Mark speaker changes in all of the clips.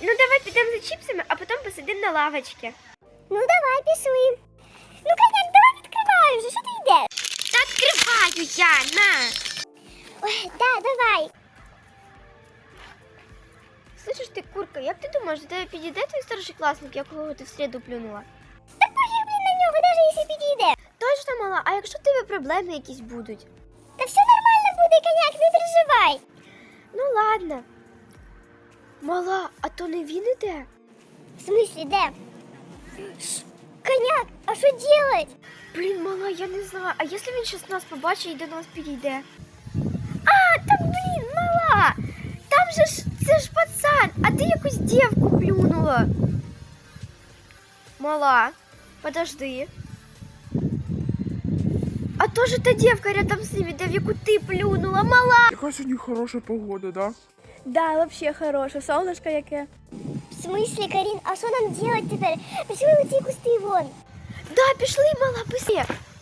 Speaker 1: Ну давай підемо за чіпсами, а потім посидимо на лавочці.
Speaker 2: Ну давай, пішли. Ну, коняк, давай відкривай вже, що ти йдеш?
Speaker 1: Та відкриваю я, на!
Speaker 2: Ой, да, давай.
Speaker 1: Слышиш ти, курка, як ти думаєш, до тебе підійде твій старшокласник, якого ти в середу плюнула?
Speaker 2: Так пофіг, блін, на нього, навіть якщо підійде.
Speaker 1: Точно, мала, а якщо в тебе проблеми якісь будуть?
Speaker 2: Та все нормально буде, коняк, не переживай.
Speaker 1: Ну ладно. Мала, а то не він іде?
Speaker 2: В смислі, де? Коняк, а що делать?
Speaker 1: Блін, мала, я не знаю, а якщо він щас нас побачить і до нас підійде?
Speaker 2: А, та блін, мала.
Speaker 1: Там же ж, це ж пацан, а ти якусь дівку плюнула. Мала, подожди. А то же та девка рядом с ними, да в яку ты плюнула, мала!
Speaker 3: Яка сьогодні хороша погода, да?
Speaker 4: Да, вообще хороше, солнышко яке.
Speaker 2: В смислі, Карін, а що нам делать тепер? Пішли у ці кусти вон.
Speaker 1: Да, пішли, мала, быстрее.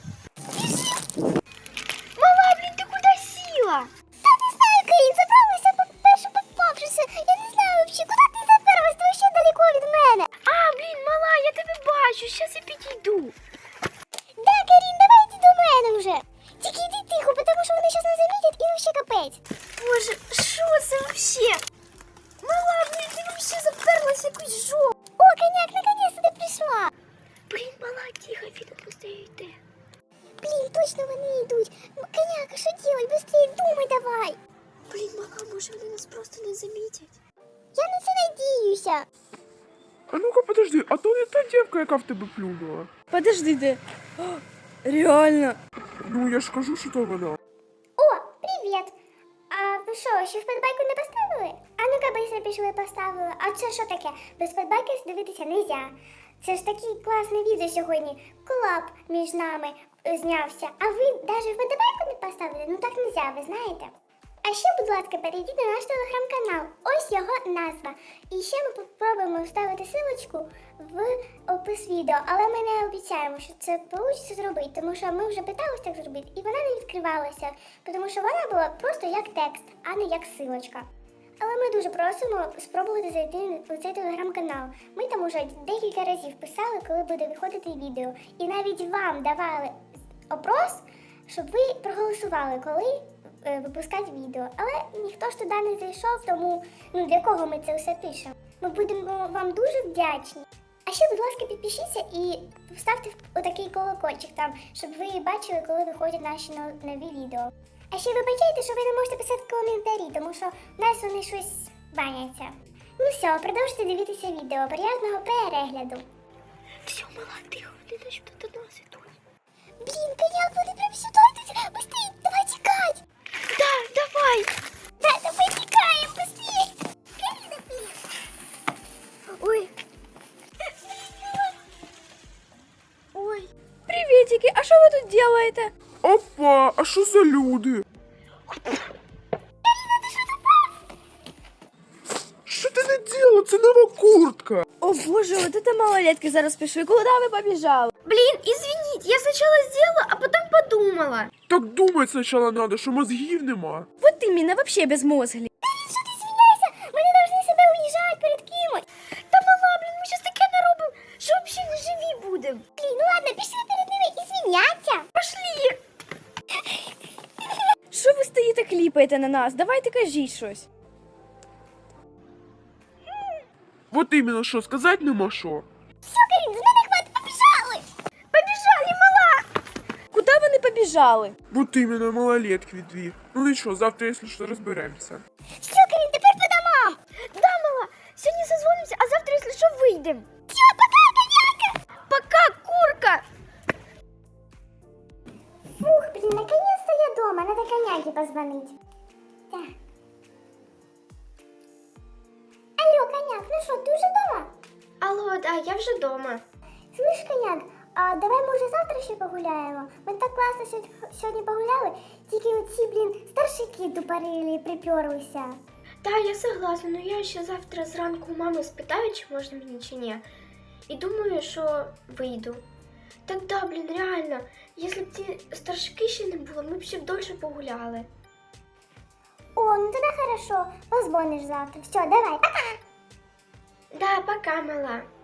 Speaker 1: Мала, блин, ты куда села?
Speaker 2: Та не знаю, Карін, забралася першу попавшися. Я не знаю вообще, куди ти заперлась, ти ще далеко від мене.
Speaker 1: А, блин, мала, я тебе бачу, сейчас я підійду.
Speaker 2: Да, Карін, давай йди до мене вже. Тільки йди тихо, тому що вони зараз нас замітять і вообще капець.
Speaker 1: Боже, що це вообще? Мала, блин, ти вообще заперлась в якусь жопу.
Speaker 2: О, коняк, наконец-то ти прийшла.
Speaker 1: Блин, мала, тихо, він просто йде.
Speaker 2: Блін, точно вони йдуть. Коняк, а що делать? Быстрее думай давай.
Speaker 1: Блин, мала, може вони нас просто не замітять?
Speaker 2: Я на це надіюся.
Speaker 3: А ну-ка, подожди, а то не та дівка, яка в тебе плюнула.
Speaker 4: Подожди ти. О, реально.
Speaker 3: Ну, я ж кажу, що то вона.
Speaker 2: О, привіт. А ви що, ще вподобайку не поставили? А ну-ка, быстро пішли поставили. А це що таке? Без вподобайки дивитися нельзя. Це ж таке класне відео сьогодні. Колаб між нами знявся. А ви навіть вподобайку не поставили? Ну так нельзя, ви знаєте. А ще, будь ласка, перейдіть на наш телеграм-канал. Ось його назва. І ще ми спробуємо вставити силочку в опис відео. Але ми не обіцяємо, що це вийде зробити, тому що ми вже питалися так зробити, і вона не відкривалася, тому що вона була просто як текст, а не як силочка. Але ми дуже просимо спробувати зайти у цей телеграм-канал. Ми там уже декілька разів писали, коли буде виходити відео. І навіть вам давали опрос, щоб ви проголосували, коли випускати відео. Але ніхто ж туди не зайшов, тому для кого ми це все пишемо? Ми будемо вам дуже вдячні. А ще, будь ласка, підпишіться і вставте отакий колокольчик там, щоб ви бачили, коли виходять наші нові відео. А ще вибачайте, що ви не можете писати коментарі, тому що в нас вони щось баняться. Ну все, продовжуйте дивитися відео. Приятного перегляду.
Speaker 1: Все, мала, тихо, вони наче тут до нас ідуть.
Speaker 2: Блін, коняк, вони прям сюди йдуть. Быстрей, давай тікать.
Speaker 1: Да, давай.
Speaker 2: Да, давай тікаємо, быстрей. Каріна, блін.
Speaker 1: Ой.
Speaker 4: Ой. Приветики, а що ви тут делаєте?
Speaker 3: Опа, а що за люди? Що ти не діла? Це нова куртка.
Speaker 4: О боже, вот это малолетки зараз пішли. Куда ви побіжали?
Speaker 1: Блин, извините, я сначала сделала, а потом подумала.
Speaker 3: Так думать спочатку надо, що мозгів нема.
Speaker 4: Вот іменно, вообще безмозглі.
Speaker 2: Що ти звиняйся? Ми не повинні себе уїжджати перед кимось.
Speaker 1: Та мала, блин, ми щас таке наробимо, що взагалі не живі будемо.
Speaker 2: Блін, ну ладно, пішли перед ними і звиняться.
Speaker 1: Пошли.
Speaker 4: Що ви стоїте, кліпаєте на нас? Давайте кажіть щось.
Speaker 3: Вот іменно що, сказати нема що.
Speaker 2: Все, Карін, з мене хватить, побіжали.
Speaker 1: Побежали, мала.
Speaker 4: Куди вони побіжали?
Speaker 3: Вот іменно малолетки дві. Ну нічого, завтра, якщо що, розберемося.
Speaker 2: Все, Карін, тепер по домам.
Speaker 1: Да, мала, сегодня созвонимся, а завтра, если что, выйдем.
Speaker 2: Все, пока, коняка.
Speaker 1: Пока, курка.
Speaker 2: Фух, блін, наконец-то я дома, надо коняке позвонить. Так. Алло, коняк, ну що, ти вже дома?
Speaker 1: Алло, да, я вже дома.
Speaker 2: Слышь, коняк, а давай може завтра ще погуляємо? Ми так класно сьогодні погуляли, тільки оці, блін, старшики тупорили, приперлися.
Speaker 1: Да, я согласна, но я ще завтра зранку у мами спитаю, чи можна мені, чи ні. І думаю, що вийду. Так да, блін, реально, якщо б ті старшики ще не було, ми б ще довше погуляли.
Speaker 2: О, ну тоді хорошо, позвониш завтра. Все, давай, пока.
Speaker 1: Да, пока, мала.